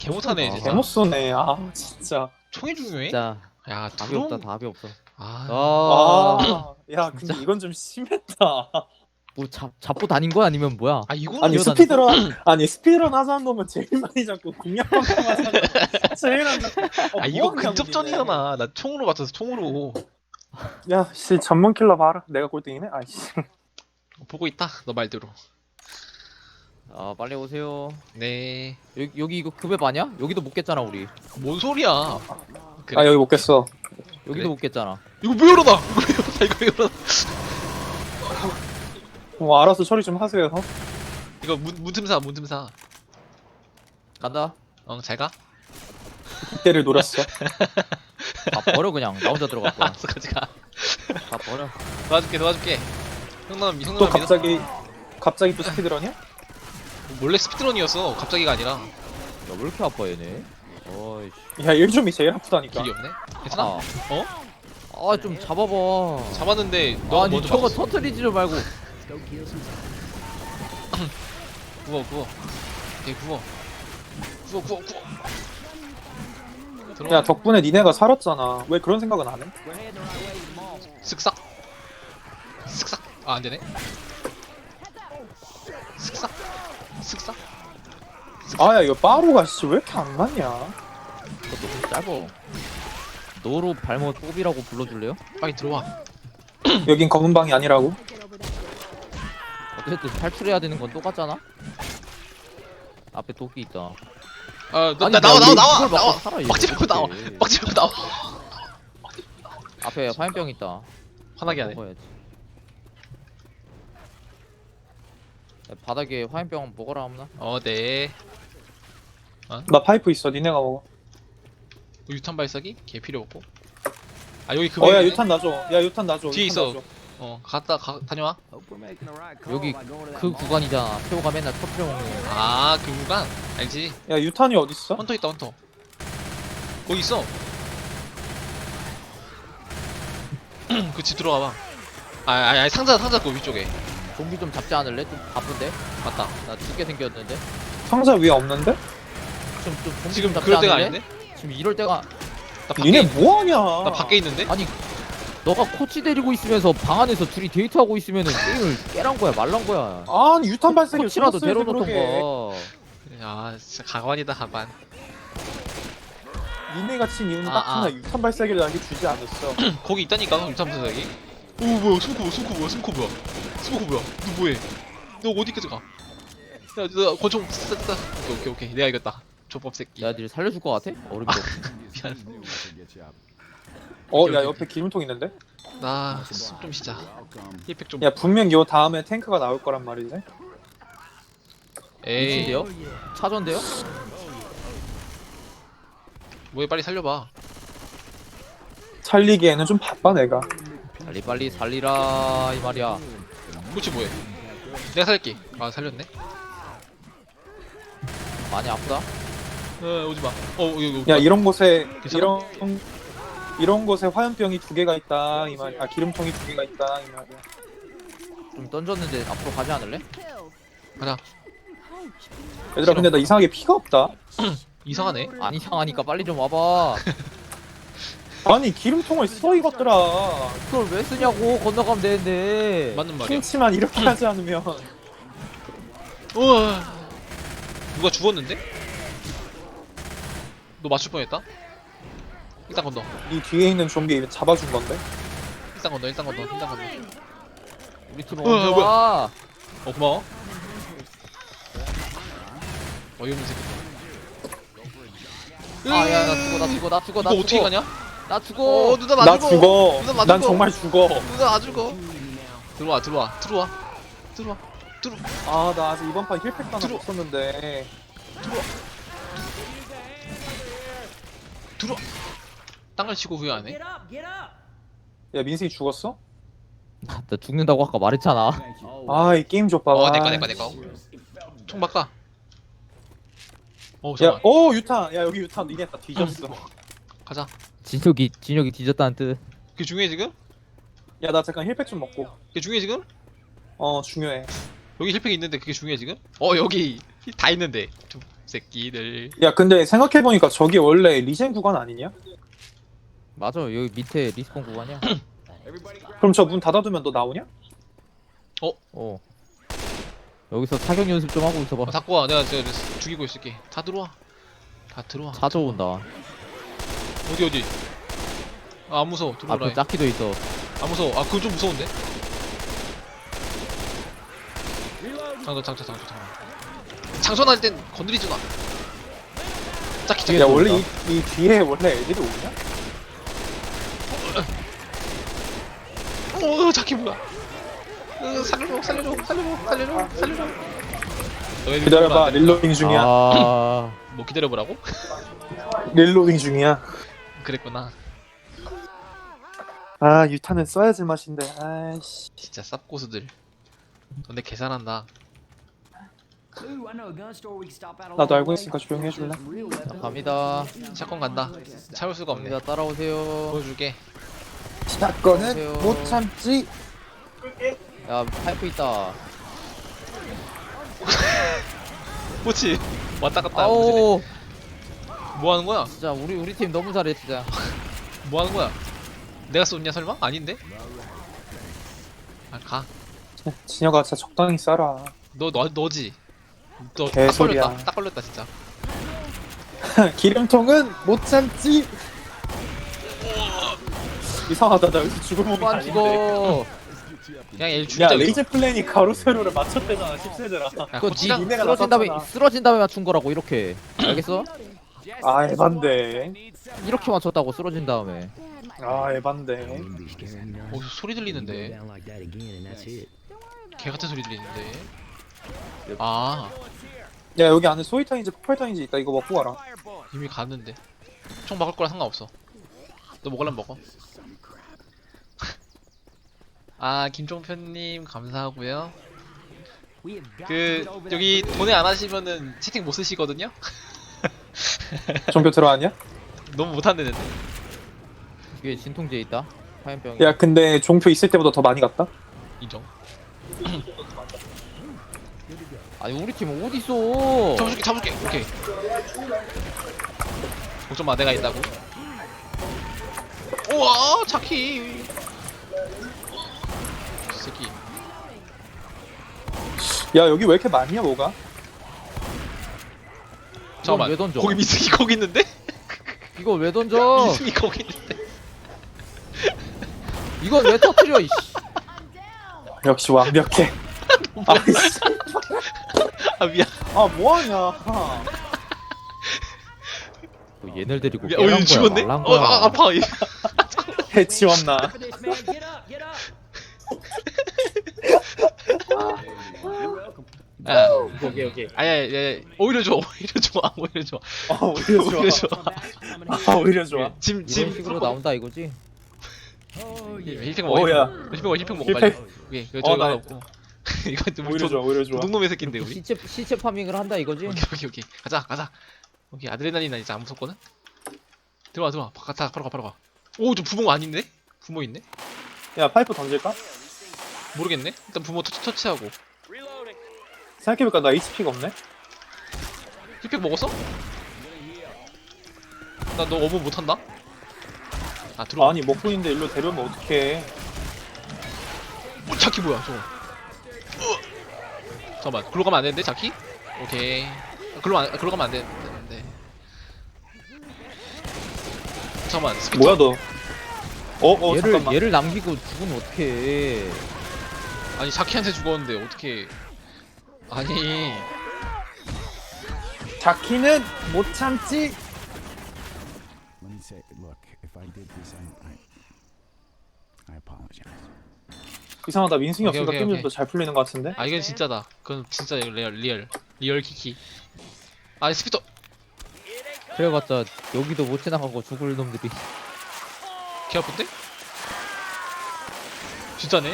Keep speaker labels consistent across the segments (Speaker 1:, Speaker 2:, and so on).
Speaker 1: 개 못하네
Speaker 2: 아,
Speaker 1: 진짜.
Speaker 3: 개못 쏘네. 아 진짜.
Speaker 1: 총이 중요해?
Speaker 2: 진짜
Speaker 1: 야
Speaker 2: 답이 없다.
Speaker 1: 드론.
Speaker 2: 답이 없어.
Speaker 1: 아,
Speaker 3: 아, 야 근데
Speaker 2: 진짜.
Speaker 3: 이건 좀 심했다.
Speaker 2: 뭐 잡고 다닌 거야 아니면 뭐야?
Speaker 1: 아 이거는
Speaker 3: 아니
Speaker 2: 기어다녔어?
Speaker 3: 스피드런 아니 스피드런 하자는 놈은 제일 많이 잡고 공략방송 하자는 놈은 제일 안 잡고.
Speaker 1: 아 이거 근접전이잖아. 나 총으로 맞춰서 총으로
Speaker 3: 야씨 전문 킬러 봐라. 내가 꼴등이네. 아이씨.
Speaker 1: 보고 있다. 너 말대로.
Speaker 2: 아 빨리 오세요.
Speaker 1: 네.
Speaker 2: 여기 이거 급앱 아니야? 여기도 못 깼잖아 우리.
Speaker 1: 뭔 소리야? 그래.
Speaker 3: 아 여기 못 겠어.
Speaker 2: 여기도
Speaker 1: 그래?
Speaker 2: 못 깼잖아.
Speaker 1: 이거 왜 이러다? 이거 왜 이러다? 이거 왜 이러다?
Speaker 3: 뭐 알아서 처리 좀 하세요.
Speaker 1: 이거 문틈사.
Speaker 2: 간다.
Speaker 1: 잘 가.
Speaker 3: 이때를 노렸어.
Speaker 2: 다 버려 그냥. 나 혼자 들어갈 거야.
Speaker 1: 알았어, 같이 가.
Speaker 2: 다 버려.
Speaker 1: 도와줄게. 형남
Speaker 3: 또 갑자기 또 스피드런이야?
Speaker 1: 원래 스피드런이었어. 갑자기가 아니라
Speaker 2: 야 왜 이렇게 아파 얘네? 어이씨.
Speaker 3: 야 1점이 제일 아프다니까.
Speaker 1: 길이 없네. 괜찮아?
Speaker 2: 아.
Speaker 1: 어?
Speaker 2: 좀 잡아봐.
Speaker 1: 잡았는데 너
Speaker 2: 아니
Speaker 1: 먼저
Speaker 2: 저거
Speaker 1: 막았어.
Speaker 2: 터트리지를 말고.
Speaker 1: 구워. 오케이 구워.
Speaker 3: 야 덕분에 니네가 살았잖아. 왜 그런 생각은 안 해?
Speaker 1: 쓱싹. 아 안되네. 쓱싹.
Speaker 3: 아야 이거 빠루가 씨 왜 이렇게 안 맞냐?
Speaker 2: 그것도 좀 짧어. 노루 발목 뽑이라고 불러줄래요?
Speaker 1: 빨리 들어와.
Speaker 3: 여긴 검은 방이 아니라고?
Speaker 2: 어쨌든 탈출해야 되는 건 똑같잖아. 앞에 도끼 있다.
Speaker 1: 나
Speaker 2: 아니,
Speaker 1: 나와.
Speaker 2: 이걸 막고 살아, 이거
Speaker 1: 막지 말고 나와.
Speaker 2: 어떡해.
Speaker 1: 막지 말고 나와.
Speaker 2: 앞에 화염병 있다.
Speaker 1: 화나게 하네.
Speaker 2: 먹어야지. 야, 바닥에 화염병 먹어라 없나?
Speaker 1: 네.
Speaker 3: 나 파이프 있어. 니네가 먹어.
Speaker 1: 유탄 발사기? 걔 필요 없고. 아 여기 그
Speaker 3: 어야 유탄 놔줘. 야 유탄 놔줘.
Speaker 1: 뒤에
Speaker 3: 유탄
Speaker 1: 있어.
Speaker 3: 놔줘.
Speaker 1: 다녀와.
Speaker 2: 여기 그 구간이잖아. 태호가 맨날 터트려 먹는.
Speaker 1: 아 그 구간 알지?
Speaker 3: 야 유탄이 어딨어?
Speaker 1: 헌터 있다 헌터. 거기 있어. 그 집 들어가봐. 아니 상자 그 위쪽에.
Speaker 2: 좀비 좀 잡지 않을래? 좀 바쁜데?
Speaker 1: 맞다.
Speaker 2: 나 죽게 생겼는데?
Speaker 3: 상자 위에 없는데?
Speaker 2: 좀 좀비
Speaker 1: 지금
Speaker 2: 좀 잡지
Speaker 1: 그럴 때가
Speaker 2: 않을래?
Speaker 1: 아닌데?
Speaker 2: 지금 이럴 때가.
Speaker 1: 나 밖에
Speaker 3: 니네 뭐하냐?
Speaker 1: 나 밖에 있는데?
Speaker 2: 아니 너가 코치 데리고 있으면서 방 안에서 둘이 데이트하고 있으면은 게임을 깨란 거야 말란 거야.
Speaker 3: 아니 유탄 발사기를
Speaker 2: 코치라도
Speaker 3: 쏘았어야지, 그러게.
Speaker 2: 데려놓던가.
Speaker 1: 아 진짜 가관이다 가관.
Speaker 3: 니네가 친 이유는
Speaker 1: 아,
Speaker 3: 딱 하나.
Speaker 1: 아.
Speaker 3: 유탄 발사기를 나에게 주지 않았어.
Speaker 1: 거기 있다니까 유탄 발사기. 오 뭐야 스모커 뭐야? 너 뭐해? 너 어디까지 가? 야너 권총 쐈다. 오케이 내가 이겼다. 조법 새끼.
Speaker 2: 내가 니를 살려줄 것 같아? 어림도 없어.
Speaker 1: 미안.
Speaker 3: 어
Speaker 1: 오케이,
Speaker 3: 야
Speaker 1: 오케이.
Speaker 3: 옆에 기름통 있는데?
Speaker 1: 나숨좀 쉬자. 힐팩 좀.
Speaker 3: 야 분명 요 다음에 탱크가 나올 거란 말이지.
Speaker 1: 에이.
Speaker 2: 미친데요? 차전데요?
Speaker 1: 뭐해 빨리 살려봐.
Speaker 3: 살리기에는 좀 바빠 내가.
Speaker 2: 빨리 살리라 이 말이야.
Speaker 1: 그렇지 뭐해? 내가 살릴게. 아 살렸네.
Speaker 2: 많이 아프다?
Speaker 1: 오지 마. 여기.
Speaker 3: 야 이런 곳에
Speaker 1: 괜찮아?
Speaker 3: 이런 곳에 화염병이 2개가 있다 이 말이야. 아 기름통이 2개가 있다 이 말이야.
Speaker 2: 좀 던졌는데 앞으로 가지 않을래?
Speaker 1: 가자.
Speaker 3: 얘들아 근데 나 이상하게 피가 없다.
Speaker 1: 이상하네.
Speaker 2: 안 이상하니까 빨리 좀 와봐.
Speaker 3: 아니 기름통을 써 이것들아.
Speaker 2: 그걸 왜 쓰냐고. 건너가면 되는데.
Speaker 1: 맞는 말이야.
Speaker 3: 핑치만 이렇게 하지 않으면.
Speaker 1: 우와. 누가 죽었는데? 너 맞출 뻔했다. 일단 건너.
Speaker 3: 이 뒤에 있는 좀비 잡아준 건데.
Speaker 1: 일단 건너.
Speaker 2: 우리 팀
Speaker 1: 어,
Speaker 2: 언제
Speaker 1: 뭐야.
Speaker 2: 와?
Speaker 1: 고마워. 어이없는 새끼.
Speaker 2: 아야 나 죽어.
Speaker 1: 이거 어떻게 가냐?
Speaker 2: 나 죽어.
Speaker 1: 누나
Speaker 3: 나 죽어.
Speaker 1: 누나 나
Speaker 3: 난
Speaker 1: 죽어.
Speaker 3: 정말 죽어.
Speaker 1: 누나 나 죽어. 들어와.
Speaker 3: 아 나 아직 이번 판 힐팩 하나
Speaker 1: 들어.
Speaker 3: 못 썼는데.
Speaker 1: 들어와. 땅을 치고 후회 안 해?
Speaker 3: 야 민승이 죽었어?
Speaker 2: 나 죽는다고 아까 말했잖아.
Speaker 3: 아 이 게임 좀 봐봐.
Speaker 1: 내꺼. 총 바꿔.
Speaker 3: 야,
Speaker 1: 잠깐만.
Speaker 3: 유탄. 야 여기 유탄 니네 다 뒤졌어.
Speaker 1: 가자.
Speaker 2: 진혁이 뒤졌다는 뜻.
Speaker 1: 그게 중요해 지금?
Speaker 3: 야 나 잠깐 힐팩 좀 먹고.
Speaker 1: 그게 중요해 지금?
Speaker 3: 중요해.
Speaker 1: 여기 힐팩 있는데 그게 중요해 지금? 여기 다 있는데 좀 새끼들.
Speaker 3: 야 근데 생각해보니까 저기 원래 리젠 구간 아니냐?
Speaker 2: 맞아 여기 밑에 리스폰 구간이야.
Speaker 3: 그럼 저 문 닫아두면 너 나오냐?
Speaker 2: 어. 여기서 사격 연습 좀 하고 있어봐.
Speaker 1: 닫고 와. 내가 죽이고 있을게. 다 들어와. 다 들어와.
Speaker 2: 찾아온다.
Speaker 1: 어디? 아, 안 무서워. 들어오라.
Speaker 2: 앞에 짝키도 있어.
Speaker 1: 안 무서워. 아, 그건 좀 무서운데? 장전. 장전할 땐 건드리지 마. 짝키.
Speaker 3: 야 원래 이 뒤에 원래 애들이 오냐?
Speaker 1: 짝키 뭐야? 살려줘. 너희들
Speaker 3: 기다려봐
Speaker 1: 죽으면 안 돼.
Speaker 3: 릴로딩 중이야.
Speaker 2: 아.
Speaker 1: 뭐 기다려보라고?
Speaker 3: 릴로딩 중이야.
Speaker 1: 그랬구나.
Speaker 3: 아 유탄은 써야지 맛인데. 아이씨.
Speaker 1: 진짜 쌉고수들. 근데 계산한다.
Speaker 3: 나도 알고 있으니까 조용히 해줄래?
Speaker 2: 자, 갑니다.
Speaker 1: 샷건 간다. 참을 수가 없네.
Speaker 2: 갑니다. 따라오세요.
Speaker 1: 보여줄게.
Speaker 3: 사건은 못 참지.
Speaker 2: 야 파이프 있다.
Speaker 1: 그렇지. 왔다 갔다.
Speaker 2: 아오.
Speaker 1: 뭐 하는 거야?
Speaker 2: 진짜 우리 팀 너무 잘해 진짜.
Speaker 1: 뭐 하는 거야? 내가 쏜냐 설마? 아닌데? 아, 가.
Speaker 3: 진혁아 진짜 적당히 싸라.
Speaker 1: 너지. 너 딱
Speaker 3: 개소리야.
Speaker 1: 걸렸다. 딱 걸렸다 진짜.
Speaker 3: 기름통은 못 참지. 이상하다 나 여기서 죽을 몸이
Speaker 2: 안
Speaker 3: 아닌데.
Speaker 2: 죽어.
Speaker 1: 그냥 얘
Speaker 3: 야
Speaker 1: 죽이자.
Speaker 3: 레이저 플랜이 가로 세로를 맞췄대잖아 10세들아.
Speaker 1: 야,
Speaker 2: 그거
Speaker 1: 고치랑
Speaker 3: 니네가 나섰잖아.
Speaker 2: 쓰러진 다음에 맞춘 거라고 이렇게. 알겠어?
Speaker 3: 아 에반데.
Speaker 2: 이렇게 맞췄다고 쓰러진 다음에.
Speaker 3: 아 에반데.
Speaker 1: 소리 들리는데. 개 같은 소리 들리는데. 아,
Speaker 3: 야 여기 안에 소위탄인지 폭발탄인지 있다. 이거 먹고 가라.
Speaker 1: 이미 갔는데. 총 막을 거랑 상관없어. 너 먹으려면 먹어. 아, 김종편님 감사하고요. 여기 돈에 안 하시면은 채팅 못 쓰시거든요.
Speaker 3: 종표 들어왔냐?
Speaker 1: 너무 못한대는데.
Speaker 2: 뒤에 진통제 있다. 화염병.
Speaker 3: 야 근데 종표 있을 때보다 더 많이 갔다?
Speaker 1: 인정.
Speaker 2: 아니 우리 팀 어디 있어?
Speaker 1: 잡아줄게. 오케이. 걱정 마, 내가 있다고. 우와, 차키. 이 새끼.
Speaker 3: 야 여기 왜 이렇게 많냐 뭐가?
Speaker 1: 잠깐만.
Speaker 2: 왜 던져?
Speaker 1: 거기 미승이 거기 있는데?
Speaker 2: 이거 왜 던져?
Speaker 1: 미승이 거기 있는데.
Speaker 2: 이건 왜 터뜨려 이씨.
Speaker 3: 역시 완벽해. 아이씨.
Speaker 1: 아, 미안.
Speaker 3: 아 뭐하냐.
Speaker 2: 뭐 얘네를 데리고
Speaker 1: 미안.
Speaker 2: 깨란 거야,
Speaker 1: 죽었네?
Speaker 2: 말란 거야.
Speaker 1: 아파.
Speaker 3: 해치웠나.
Speaker 1: 야,
Speaker 3: 오케이.
Speaker 1: 아야, 오히려 좋아. 오히려 좋아.
Speaker 3: 아 오히려 좋아. 아 오히려 좋아.
Speaker 1: 짐
Speaker 2: 이런 식으로 나온다 이거지?
Speaker 1: 힐팩 먹어.
Speaker 3: 오야.
Speaker 1: 힐팩 먹어.
Speaker 3: 힐팩.
Speaker 1: 빨리. 오케이. 이거 저거
Speaker 3: 나-
Speaker 1: 하나 없고. 이거 우리
Speaker 3: 오히려 좋아. 오히려 좋아.
Speaker 1: 도둑놈의 새끼인데 우리.
Speaker 2: 시체 파밍을 한다 이거지?
Speaker 1: 오케이. 가자. 오케이, 아드레날린 이제 안 무섭거든. 들어와. 바로 가. 오, 저 부모 아닌데? 부모 있네?
Speaker 3: 야 파이프 던질까?
Speaker 1: 모르겠네. 일단 부모 터치하고.
Speaker 3: 생각해보니까 나 HP가 없네.
Speaker 1: 힐팩 먹었어? 나 너 어머 못한다? 아, 들어와.
Speaker 3: 아니 먹고 있는데 일로 데려오면 어떡해.
Speaker 1: 자키 뭐야 저거. 잠깐만, 글로 가면 안 되는데 자키? 오케이. 글로 가면 안 되는데. 잠깐만, 스피터.
Speaker 3: 뭐야 너? 잠깐만.
Speaker 2: 얘를 남기고 죽으면 어떡해.
Speaker 1: 아니, 자키한테 죽었는데 어떻게? 아니,
Speaker 3: 자키는 못 참지.
Speaker 4: Let me say, look, if I did this, I apologize.
Speaker 3: 이상하다. 민승이
Speaker 1: 오케이,
Speaker 3: 없으니까
Speaker 1: 오케이,
Speaker 3: 게임이
Speaker 1: 오케이.
Speaker 3: 더 잘 풀리는 것 같은데.
Speaker 1: 아 이건 진짜다. 그건 진짜 리얼 키키. 아니, 스피터.
Speaker 2: 그래봤자 여기도 못 지나가고 죽을 놈들이.
Speaker 1: 개 아픈데? 진짜네?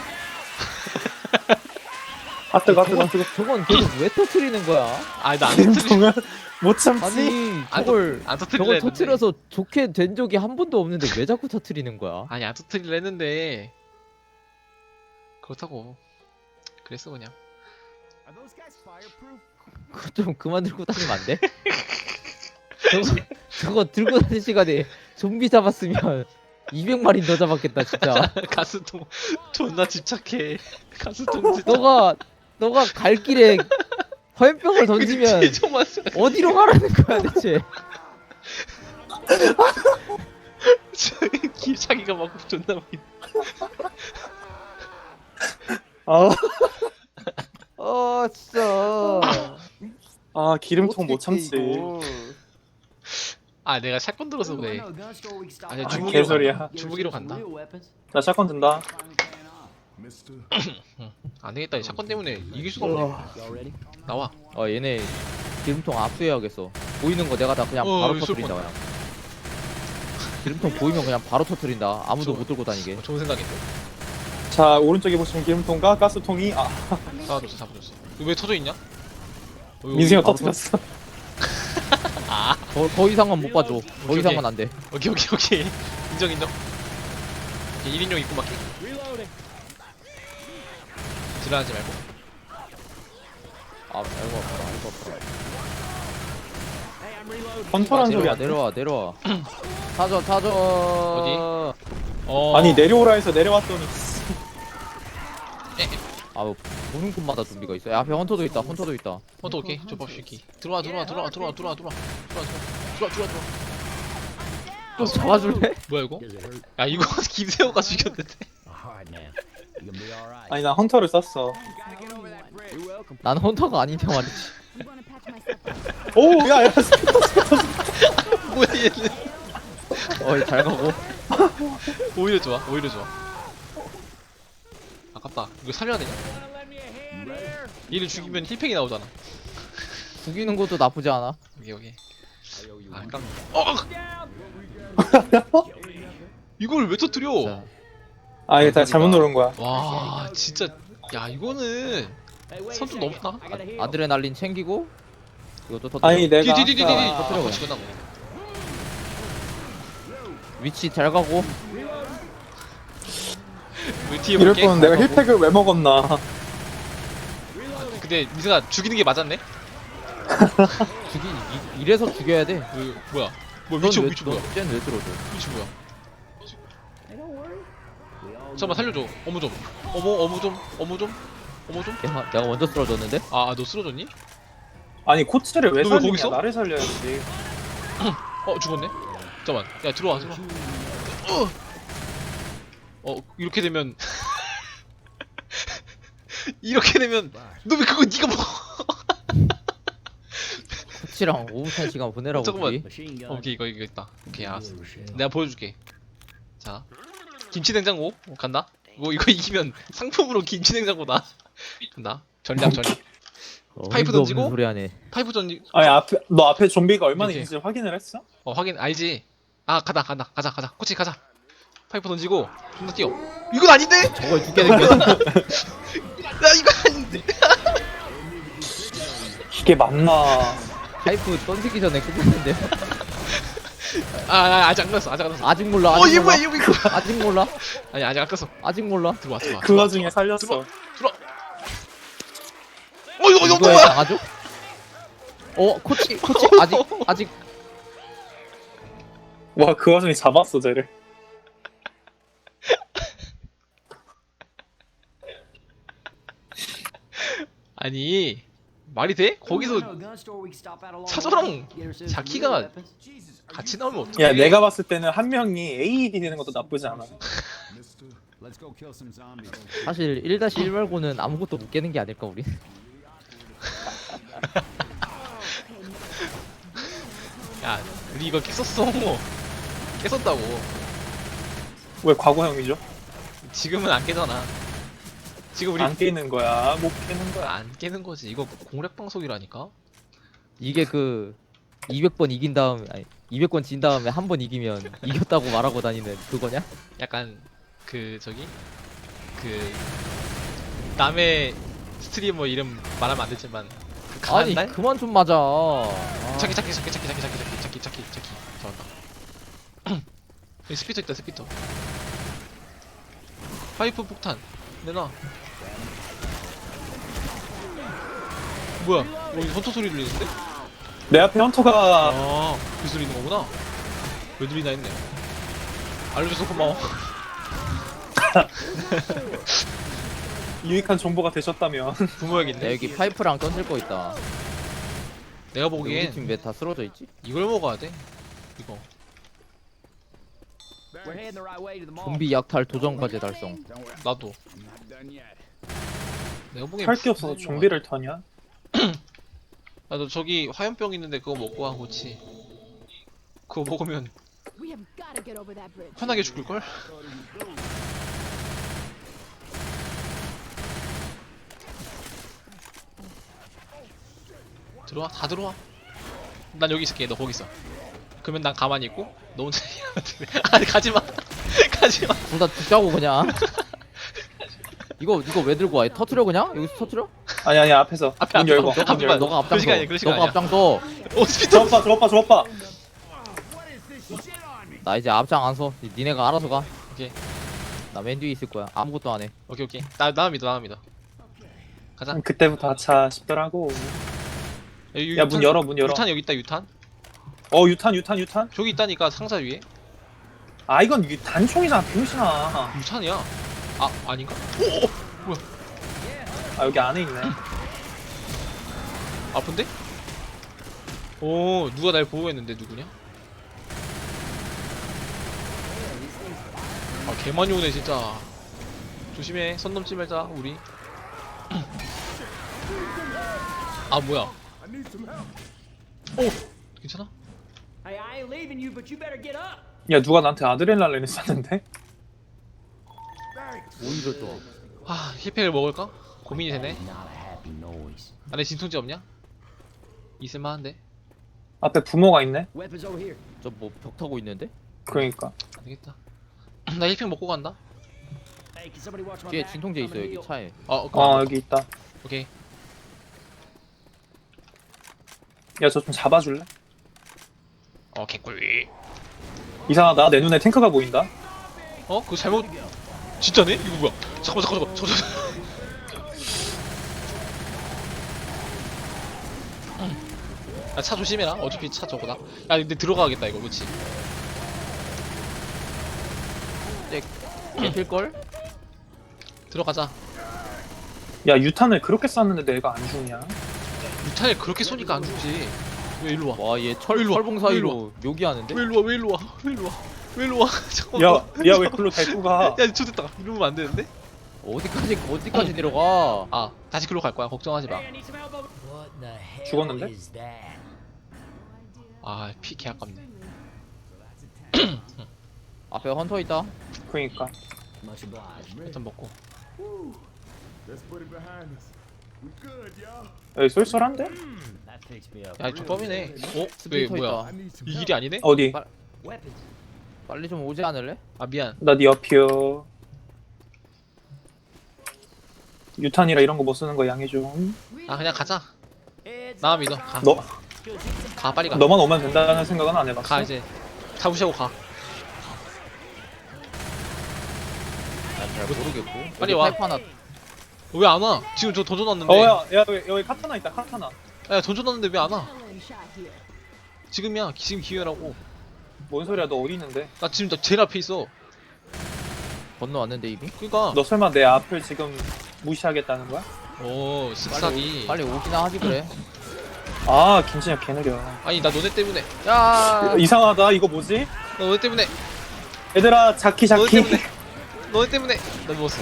Speaker 3: 아 뜨거.
Speaker 2: 저건 계속 왜 터트리는 거야?
Speaker 1: 아니, 나안 터뜨리.
Speaker 3: 기름통은 못 참지.
Speaker 2: 아니
Speaker 1: 안
Speaker 2: 저걸
Speaker 1: 터뜨리려
Speaker 2: 저걸
Speaker 1: 했는데.
Speaker 2: 터트려서 좋게 된 적이 한 번도 없는데 왜 자꾸 터트리는 거야?
Speaker 1: 아니, 안 터뜨리려 했는데 그렇다고. 그랬어 그냥.
Speaker 4: Are those guys fireproof?
Speaker 2: 그거 좀 그만 들고 다니면 안 돼? 저거 들고 다니는 시간에 좀비 잡았으면 200마리 더 잡았겠다 진짜.
Speaker 1: 가스통 존나 집착해. 가스통 진짜.
Speaker 2: 너가 갈 길에 화염병을 던지면
Speaker 1: 그치, 정말
Speaker 2: 어디로 가라는 거야 대체?
Speaker 1: 자기가 막 존나 많이.
Speaker 3: 아,
Speaker 2: 진짜.
Speaker 3: 아 기름통 못
Speaker 2: 어떻게
Speaker 3: 참지.
Speaker 2: 이거.
Speaker 1: 아 내가 샷건 들어서 그래. 아니
Speaker 3: 아,
Speaker 1: 주무기로
Speaker 3: 개소리야.
Speaker 1: 간다. 주무기로 간다.
Speaker 3: 자 샷건 든다.
Speaker 4: Mister.
Speaker 1: 안 되겠다. 이 샷건 때문에 이길 수가 없네. 나와.
Speaker 2: 얘네 기름통 압수해야겠어. 보이는 거 내가 다 그냥 바로
Speaker 1: 여기
Speaker 2: 터뜨린다
Speaker 1: 쏠
Speaker 2: 그냥. 기름통 보이면 그냥 바로 터뜨린다. 아무도
Speaker 1: 좋아.
Speaker 2: 못 들고 다니게.
Speaker 1: 좋은 생각인데.
Speaker 3: 자 오른쪽에 보시면 기름통과 가스통이
Speaker 1: 잡아줬어, 잡아줬어. 이거 왜 터져 있냐?
Speaker 3: 민승이가
Speaker 2: 바로
Speaker 3: 터뜨렸어.
Speaker 2: 더 이상은 못 봐줘. 더
Speaker 1: 오케이,
Speaker 2: 이상은 안 돼.
Speaker 1: 오케이, 오케이, 오케이. 인정, 인정. 오케이, 1인용 입고 막기. 지랄하지 말고.
Speaker 2: 알고 왔다.
Speaker 3: 컨터라는 소리
Speaker 2: 내려와
Speaker 3: 안 돼.
Speaker 2: 내려와. 타져.
Speaker 3: 아니 내려오라 해서 내려왔더니
Speaker 2: 뭐 보는 곳마다 좀비가 있어. 야, 앞에 헌터도 있다.
Speaker 1: 또 오케이. 조밥시키. 들어와.
Speaker 2: 또 잡아줄래?
Speaker 1: 뭐야 이거? 야 이거 김세호가 죽였는데.
Speaker 3: 아니 나 헌터를 쐈어.
Speaker 2: 난 헌터가 아닌데 말이지.
Speaker 3: 오 야야
Speaker 1: 뭐야 얘는.
Speaker 2: 잘 가고.
Speaker 1: 오히려 좋아. 아깝다. 이거 살려야 되냐? 얘를 죽이면 힐팩이 나오잖아.
Speaker 2: 죽이는 것도 나쁘지 않아.
Speaker 1: 여기. 아 깜. 이걸 왜 터뜨려?
Speaker 2: 자,
Speaker 3: 아 이게 다 잘못 누른 거야.
Speaker 1: 와 진짜. 야 이거는 선 좀 넘다.
Speaker 2: 아드레날린 챙기고 이것도 터뜨려.
Speaker 3: 아니 내가
Speaker 1: 디디디디디.
Speaker 3: 아까
Speaker 2: 터뜨려,
Speaker 1: 같이 끝나고.
Speaker 2: 위치 잘 가고.
Speaker 1: 우리 뒤에
Speaker 3: 이럴
Speaker 1: 볼게.
Speaker 3: 거면 내가 힐팩을 왜 먹었나.
Speaker 1: 근데 미승아 죽이는 게 맞았네.
Speaker 2: 이래서 죽여야 돼.
Speaker 1: 뭐야? 뭐 위치 뭐야?
Speaker 2: 쟤는 왜 들어줘?
Speaker 1: 위치 뭐야? 잠깐만 살려줘. 어머 좀. 어머 좀.
Speaker 2: 내가 먼저 쓰러졌는데?
Speaker 1: 너 쓰러졌니?
Speaker 3: 아니 코치를 왜
Speaker 1: 너왜 거기
Speaker 3: 살리냐.
Speaker 1: 있어?
Speaker 3: 나를 살려야지.
Speaker 1: 죽었네. 잠깐만. 야 들어와. 이렇게 되면 너 왜 그거 네가 먹어?
Speaker 2: 코치랑 오붓한 시간 보내라고.
Speaker 1: 잠깐만.
Speaker 2: 우리.
Speaker 1: 오케이 이거 있다. 오케이 알았어. 내가 보여줄게. 자 김치냉장고 간다. 이거 이기면 상품으로 김치냉장고다. 간다. 전략. 파이프
Speaker 2: 어림도 없는
Speaker 1: 던지고?
Speaker 2: 소리 하네.
Speaker 1: 파이프 던지.
Speaker 3: 아니 너 앞에 좀비가 얼마나
Speaker 1: 이렇게.
Speaker 3: 있는지 확인을 했어?
Speaker 1: 확인 알지. 가자. 코치 가자. 파이프 던지고 존나 뛰어. 이건 아닌데?
Speaker 2: 저걸 죽게 생겼어.
Speaker 1: 나 이거 아닌데.
Speaker 3: 이게 맞나?
Speaker 2: 파이프 던지기 전에 끝났는데.
Speaker 1: 아직 안 끝났어.
Speaker 2: 아직 몰라.
Speaker 1: 얘 뭐야 이거.
Speaker 2: 아직 몰라.
Speaker 1: 아니 아직 안 끝났어.
Speaker 2: 아직 몰라.
Speaker 1: 들어와.
Speaker 3: 그 와중에 살렸어.
Speaker 1: 들어와. 이거
Speaker 2: 이거에
Speaker 1: 뭐야?
Speaker 2: 당하죠? 코치 아직
Speaker 3: 와 그 와중에 잡았어 쟤를.
Speaker 1: 아니 말이 돼? 거기서 차저랑 자키가 같이 나오면 어떡해?
Speaker 3: 야 내가 봤을 때는 한 명이 AED 되는 것도 나쁘지 않아.
Speaker 4: Mister, let's go kill some zombies.
Speaker 2: 사실 1-1 말고는 아무것도 못 깨는 게 아닐까 우리.
Speaker 1: 야 우리 이거 깼었다고.
Speaker 3: 왜 과거형이죠?
Speaker 1: 지금은 안 깨잖아. 지금 우리
Speaker 3: 안 깨는 거야. 못 깨는 거야.
Speaker 1: 안 깨는 거지. 이거 공략 방송이라니까.
Speaker 2: 이게 200번 이긴 다음에 200번 진 다음에 한 번 이기면 이겼다고 말하고 다니는 그거냐?
Speaker 1: 약간 남의 스트리머 이름 말하면 안 되지만 그 강한
Speaker 2: 아니
Speaker 1: 날?
Speaker 2: 그만 좀 맞아.
Speaker 1: 자키 잡았다. 여기 스피터 있다. 파이프 폭탄 내놔. 뭐야? 여기 헌터 소리 들리는데?
Speaker 3: 내 앞에 헌터가
Speaker 1: 아, 그 소리 있는 거구나. 왜 들리나 했네. 알려줘서 고마워.
Speaker 3: 유익한 정보가 되셨다면.
Speaker 2: 야,
Speaker 1: 부모야겠네.
Speaker 2: 여기 파이프랑 던질 거 있다.
Speaker 1: 내가
Speaker 2: 우리
Speaker 1: 보기엔
Speaker 2: 팀 왜 다 쓰러져 있지?
Speaker 1: 이걸 먹어야 돼. 이거.
Speaker 5: We're heading the right way to the mall.
Speaker 2: 좀비 약탈 도전 과제 달성.
Speaker 1: 나도.
Speaker 4: I'm not done yet.
Speaker 1: 내가 보기엔
Speaker 3: 할 게 없어서 좀비를 터냐?
Speaker 1: 나도 저기 화염병 있는데 그거 먹고 와 고치. 그거 먹으면
Speaker 6: We have got to get over that bridge.
Speaker 1: 편하게 죽을 걸. 들어와, 다 들어와. 난 여기 있을게. 너 거기 있어. 그러면 난 가만히 있고 너 혼자 아니 가지 마. 가지 마.
Speaker 2: 둘 다 죽자고 그냥. 이거 왜 들고 와? 터트려 그냥? 여기서 터트려?
Speaker 3: 아니 앞에서
Speaker 1: 앞에,
Speaker 3: 문 열고
Speaker 1: 앞에,
Speaker 3: 문
Speaker 1: 앞에
Speaker 3: 열고.
Speaker 2: 너가
Speaker 1: 그런 시간 아니야,
Speaker 2: 앞장서.
Speaker 1: 그런 시간
Speaker 2: 너가
Speaker 1: 아니야.
Speaker 2: 앞장서.
Speaker 1: 오스피터.
Speaker 3: 저 오빠.
Speaker 2: 나 이제 앞장 안 서. 니네가 알아서 가.
Speaker 1: 오케이.
Speaker 2: 나 맨 뒤에 있을 거야. 아무것도 안 해.
Speaker 1: 오케이. 나 믿어. 가자.
Speaker 3: 그때부터 아차 싶더라고.
Speaker 1: 여기
Speaker 3: 야, 문 열어, 문 열어.
Speaker 1: 유탄 여기 있다. 유탄.
Speaker 3: 유탄.
Speaker 1: 저기 있다니까 상자 위에.
Speaker 3: 아 이건 단총이잖아 병신아.
Speaker 1: 유탄이야. 아 아닌가?
Speaker 3: 아 여기 안에 있네.
Speaker 1: 아픈데? 오 누가 날 보호했는데 누구냐? 아 개많이 오네 진짜. 조심해. 선 넘지 말자 우리. 아 뭐야? 오 괜찮아?
Speaker 5: Hey, I ain't leaving you, but you better get up.
Speaker 3: 야 누가 나한테 아드레날린을 쐈는데?
Speaker 2: 오히려 좋아.
Speaker 1: 아 힐팩을 먹을까? 고민이 되네. 안에 진통제 없냐? 있을만한데.
Speaker 3: 앞에 부모가 있네.
Speaker 5: Weapons over here.
Speaker 2: 저 뭐 벽 타고 있는데?
Speaker 3: 그러니까.
Speaker 1: 안되겠다. 나 힐팩 먹고 간다.
Speaker 5: Hey, can somebody watch my
Speaker 2: 뒤에
Speaker 5: back?
Speaker 2: 진통제
Speaker 5: I'm
Speaker 2: 있어
Speaker 5: gonna
Speaker 2: 여기
Speaker 5: heal.
Speaker 2: 차에.
Speaker 3: 여기 있다.
Speaker 1: 오케이.
Speaker 3: 야 저 좀 잡아줄래?
Speaker 1: 개꿀.
Speaker 3: 이상하다 내 눈에 탱크가 보인다.
Speaker 1: 그거 잘못. 진짜네? 이거 뭐야? 잠깐만. 야, 차 조심해라. 어차피 차 저거다. 야, 근데 들어가야겠다 이거, 그렇지?
Speaker 2: 필걸?
Speaker 1: 들어가자.
Speaker 3: 야 유탄을 그렇게 쐈는데 내가 안 죽냐?
Speaker 1: 유탄을 그렇게 쏘니까 안 죽지. 왜 일로 와?
Speaker 2: 와 얘
Speaker 1: 일로 와,
Speaker 2: 철봉
Speaker 1: 일로
Speaker 2: 사이로 묘기하는데?
Speaker 1: 왜 일로 와? 잠깐만.
Speaker 3: 야 왜 글로 데리고 가?
Speaker 1: 야, 좋됐다. 이러면 안 되는데?
Speaker 2: 어디까지 내려가?
Speaker 1: 아, 다시 글로 갈 거야. 걱정하지 마.
Speaker 5: Hey, I need some help over.
Speaker 7: What the hell
Speaker 3: 죽었는데?
Speaker 7: is that?
Speaker 1: 아, 피 개 아깝네.
Speaker 2: 앞에 헌터 있다.
Speaker 3: 그러니까.
Speaker 7: Much obliged.
Speaker 1: 일단 먹고.
Speaker 3: 여기 쏠쏠한데?
Speaker 7: That fixed me up.
Speaker 1: 야, 족밥이네. 왜
Speaker 2: 스피터
Speaker 1: 뭐야?
Speaker 2: 있다.
Speaker 1: 이 길이 아니네?
Speaker 3: 어디?
Speaker 7: Weapons.
Speaker 2: 빨리 좀 오지 않을래?
Speaker 1: 아, 미안.
Speaker 3: 나 네 옆이요. 유탄이라 이런 거 못 쓰는 거 양해 좀.
Speaker 1: 아, 그냥 가자.
Speaker 5: Heads
Speaker 1: 나
Speaker 5: up.
Speaker 1: 믿어. 가.
Speaker 3: 너
Speaker 1: 가, 빨리 가.
Speaker 3: 너만 오면 된다는 생각은 안 해봤어.
Speaker 1: 가 이제. 다 무시하고 가.
Speaker 2: 난 잘 모르겠고.
Speaker 1: 빨리
Speaker 2: 여기
Speaker 1: 와.
Speaker 2: 파이프 하나.
Speaker 1: 왜 안 와? 지금 저 던져놨는데.
Speaker 3: 야 여기 카타나 있다 카타나.
Speaker 1: 야, 던져놨는데 왜 안 와?
Speaker 6: Adrenaline shot here.
Speaker 1: 지금이야. 지금 기회라고.
Speaker 3: 뭔 소리야 너 어디 있는데?
Speaker 1: 나 지금 나 제일 앞에 있어.
Speaker 2: 건너왔는데 이미?
Speaker 1: 그니까.
Speaker 3: 너 설마 내 앞을 지금 무시하겠다는 거야?
Speaker 1: 오, 쓱싹이.
Speaker 2: 빨리 오기나 하지 그래.
Speaker 3: 아 김진혁 개 느려.
Speaker 1: 아니, 나 너네 때문에.
Speaker 2: 야.
Speaker 3: 이상하다 이거 뭐지?
Speaker 1: 나 너네 때문에.
Speaker 3: 얘들아 자키
Speaker 1: 너네
Speaker 3: 자키.
Speaker 1: 때문에. 너네 때문에. 나 누웠어.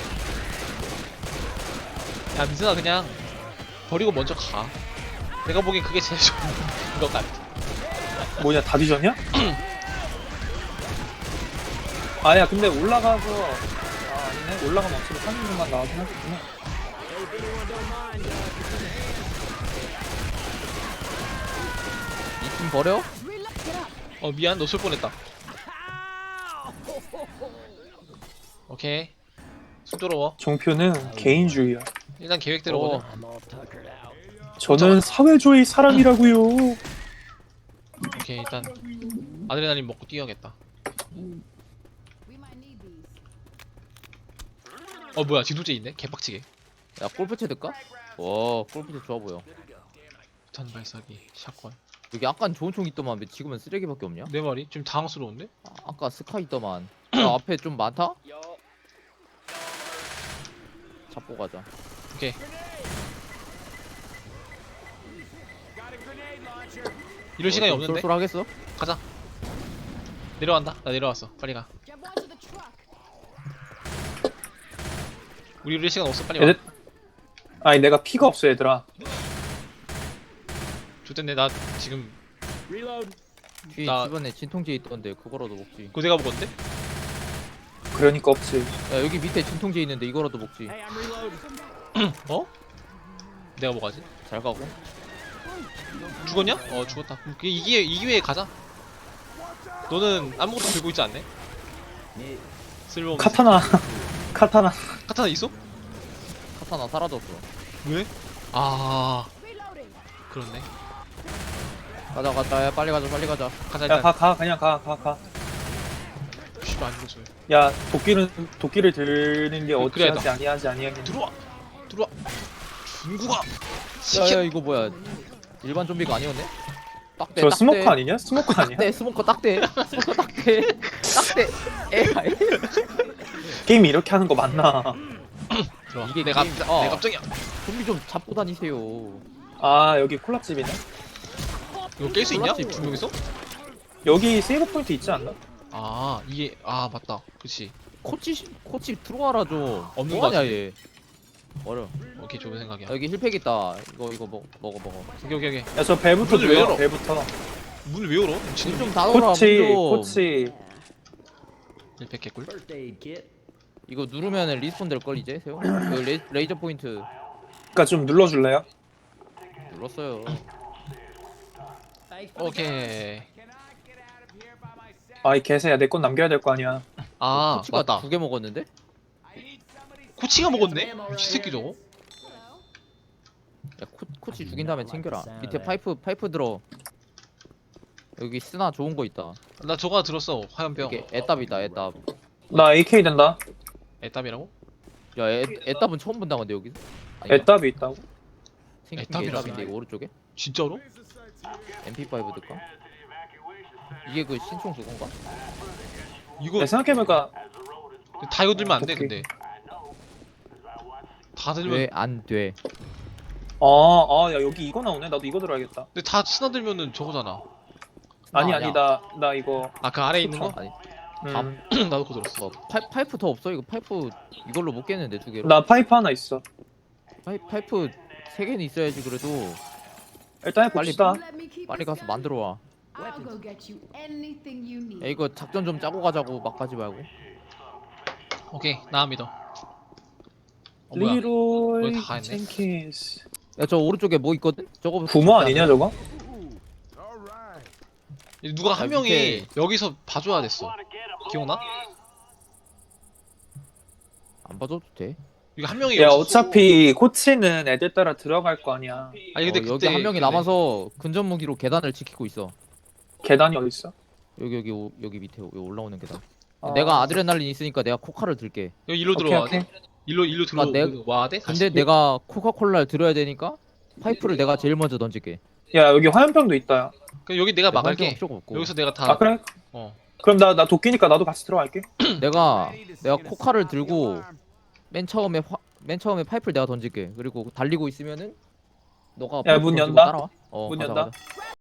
Speaker 1: 야, 민준아, 그냥 버리고 먼저 가. 내가 보기엔 그게 제일 좋은 것 같아.
Speaker 3: 뭐냐 다 뒤졌냐? 아야 근데 올라가서 아니네 올라가면 어차피 3인분만 나오긴 하겠구나.
Speaker 2: 이 팀 버려?
Speaker 6: Reload. Get up.
Speaker 1: 미안, 너 쏠 뻔했다. 오케이. 쑥스러워.
Speaker 3: 종표는 개인주의야.
Speaker 1: 일단 계획대로 가자.
Speaker 7: I'm all tuckered out.
Speaker 3: 저는 사회주의 사람이라고요.
Speaker 1: 오케이, 일단 아드레날린 먹고 뛰어야겠다.
Speaker 6: We might need these.
Speaker 1: 뭐야, 진통제 있네? 개빡치게.
Speaker 2: 야 골프채 들까? 와 골프채 좋아 보여.
Speaker 1: 폭탄 발사기 샷건.
Speaker 2: 여기 아깐 좋은 총 있더만 왜 지금은 쓰레기밖에 없냐?
Speaker 1: 내 말이 좀 당황스러운데?
Speaker 2: 아까 스카 있더만. 야, 앞에 좀 많다? 잡고 가자.
Speaker 1: 오케이. 이럴 시간이
Speaker 2: 좀
Speaker 1: 없는데?
Speaker 2: 쏠쏠하겠어?
Speaker 1: 가자. 내려간다. 나 내려왔어. 빨리 가.
Speaker 6: Jump onto the truck.
Speaker 1: 우리 이럴 시간 없어. 빨리 와.
Speaker 3: 얘들 아니 내가 피가 없어 얘들아.
Speaker 1: 좋댔네. 나 지금
Speaker 5: Reload.
Speaker 2: 뒤에
Speaker 1: 나-
Speaker 2: 집안에 진통제 있던데 그거라도 먹지.
Speaker 1: 그거 내가 먹었는데?
Speaker 3: 그러니까 없지.
Speaker 2: 야 여기 밑에 진통제 있는데 이거라도 먹지.
Speaker 5: Hey, I'm reloading.
Speaker 1: 어? 내가 뭐가지?
Speaker 2: 잘 가고.
Speaker 1: 죽었냐? 어 죽었다. 그럼 이 기회에 가자. 너는 아무것도 들고 있지 않네? 쓸모없는
Speaker 3: 카타나 카타나.
Speaker 1: 카타나 있어?
Speaker 2: 카타나 사라졌어.
Speaker 1: 왜? 아
Speaker 6: Reloading.
Speaker 1: 그렇네.
Speaker 2: 가자 가자. 야, 빨리 가자 빨리 가자.
Speaker 1: 가자 일단.
Speaker 3: 야 가 그냥 가.
Speaker 1: 씨발 안 죽었어요.
Speaker 3: 야 도끼를 들는 게
Speaker 1: 그래야
Speaker 3: 어찌하지 아니하지.
Speaker 1: 들어와. 중국아.
Speaker 2: 야야 이거 뭐야? 일반 좀비가 아니었네? 딱대.
Speaker 3: 저 스모커 아니냐? 스모커 아니야?
Speaker 2: 딱대 스모커 딱대. 스모커 딱대. 딱대. 에이.
Speaker 3: 게임 이렇게 하는 거 맞나?
Speaker 1: 들어와.
Speaker 2: 이게
Speaker 1: 내
Speaker 2: 게임-
Speaker 1: 갑정이야.
Speaker 2: 좀비 좀 잡고 다니세요.
Speaker 3: 아 여기 콜라집이네.
Speaker 1: 이거 깰 수 있냐?
Speaker 2: 콜라집.
Speaker 1: 두 명이서?
Speaker 3: 여기 세이브 포인트 있지 않나?
Speaker 1: 아 이게 맞다. 그렇지.
Speaker 2: 코치 들어와라 좀.
Speaker 1: 없는
Speaker 2: 뭐하냐
Speaker 1: 거
Speaker 2: 얘. 어려.
Speaker 1: 오케이 좋은 생각이야.
Speaker 2: 야, 여기 힐팩 있다. 이거 먹어.
Speaker 1: 오케이.
Speaker 3: 야 저 배부터
Speaker 1: 문을 왜 열어?
Speaker 3: 들어. 배부터.
Speaker 1: 문을 왜 열어?
Speaker 2: 문
Speaker 1: 지금
Speaker 2: 좀 닫아라.
Speaker 3: 코치.
Speaker 1: 1팩 개꿀.
Speaker 5: First aid kit.
Speaker 2: 이거 누르면 리스폰 될 걸 이제 세요. 여기 레이저 포인트
Speaker 3: 그러니까 좀 눌러줄래요?
Speaker 2: 눌렀어요.
Speaker 1: 오케이.
Speaker 3: 아이 개새야 내 건 남겨야 될 거 아니야.
Speaker 1: 아
Speaker 2: 코치가
Speaker 1: 맞다.
Speaker 2: 2개 먹었는데?
Speaker 1: 코치가 먹었네? 이 새끼 저거.
Speaker 2: 야 코치 죽인 다음에 챙겨라. 밑에 파이프 들어. 여기 쓰나 좋은 거 있다.
Speaker 1: 나 저거 하나 들었어. 화염병.
Speaker 2: 이게 애답이다 애답.
Speaker 3: 나 AK 된다.
Speaker 1: 애답이라고?
Speaker 2: 야 애답은 처음 본다 근데 여기서. 아니다.
Speaker 3: 애답이 있다고?
Speaker 2: 생긴 게
Speaker 1: 애답이라며.
Speaker 2: 애답인데 이거 오른쪽에?
Speaker 1: 진짜로?
Speaker 2: MP5 들까? 이게 그 신총 그건가?
Speaker 1: 이거
Speaker 3: 야, 생각해보니까
Speaker 1: 다 이거 들면 안 돼
Speaker 3: 오케이.
Speaker 1: 근데. 다 들면.
Speaker 2: 왜 안 돼?
Speaker 3: 야 여기 이거 나오네. 나도 이거 들어야겠다.
Speaker 1: 근데 다 스나들면은 저거잖아.
Speaker 3: 아니
Speaker 2: 아니야.
Speaker 3: 나 이거
Speaker 1: 아 그 아래 에 있는 거?
Speaker 2: 아니
Speaker 1: 나도 그거 들었어.
Speaker 2: 파이프 더 없어? 이거 파이프 이걸로 못 깼는데 2개로.
Speaker 3: 나 파이프 하나 있어.
Speaker 2: 파이프 3개는 있어야지 그래도.
Speaker 3: 일단
Speaker 2: 빨리
Speaker 3: 해봅시다.
Speaker 6: Let me keep
Speaker 2: 빨리
Speaker 6: this
Speaker 2: 가서
Speaker 6: going.
Speaker 2: 만들어 와.
Speaker 6: I'll go get you anything you need.
Speaker 2: 야 이거 작전 좀 짜고 가자고 막 가지 말고.
Speaker 1: 오케이 나 믿어. 뭐야?
Speaker 3: 리로이
Speaker 1: 거의 다 했네.
Speaker 3: 젠킨스.
Speaker 2: 야 저 오른쪽에 뭐 있거든? 저거
Speaker 3: 부모 아니냐 저거?
Speaker 1: 누가 한
Speaker 2: 야,
Speaker 1: 명이
Speaker 2: 밑에-
Speaker 1: 여기서 봐줘야 됐어. 기억나?
Speaker 2: 안 봐줘도 돼.
Speaker 1: 이거 한 명이
Speaker 3: 야
Speaker 1: 여기서
Speaker 3: 어차피 코치는 애들 따라 들어갈 거 아니야.
Speaker 1: 아니 근데
Speaker 2: 여기
Speaker 1: 그때
Speaker 2: 한 명이
Speaker 1: 그네.
Speaker 2: 남아서 근접 무기로 계단을 지키고 있어.
Speaker 3: 계단이 어디 있어?
Speaker 2: 여기 밑에 여기 올라오는 계단.
Speaker 3: 아.
Speaker 2: 내가 아드레날린 있으니까 내가 코카를 들게.
Speaker 1: 여기 일로
Speaker 3: 오케이,
Speaker 1: 들어와야
Speaker 3: 오케이.
Speaker 1: 돼? 일로 들어와야 돼?
Speaker 2: 근데 내가 코카콜라를 들어야 되니까 파이프를 내가 제일 먼저 던질게.
Speaker 3: 야 여기 화염병도 있다.
Speaker 1: 그럼 여기 내가
Speaker 2: 화염병은
Speaker 1: 막을게.
Speaker 2: 필요가 없고.
Speaker 1: 여기서 내가 다
Speaker 3: 아 그래?
Speaker 1: 어.
Speaker 3: 그럼 나 도끼니까 나도 같이 들어갈게.
Speaker 2: 내가 코카를 들고 맨 처음에 파이프를 내가 던질게. 그리고 달리고 있으면은 너가
Speaker 3: 야,
Speaker 2: 파이프
Speaker 3: 문
Speaker 2: 던지고
Speaker 3: 연다?
Speaker 2: 따라와.
Speaker 3: 문
Speaker 2: 가자,
Speaker 3: 연다?
Speaker 2: 가자.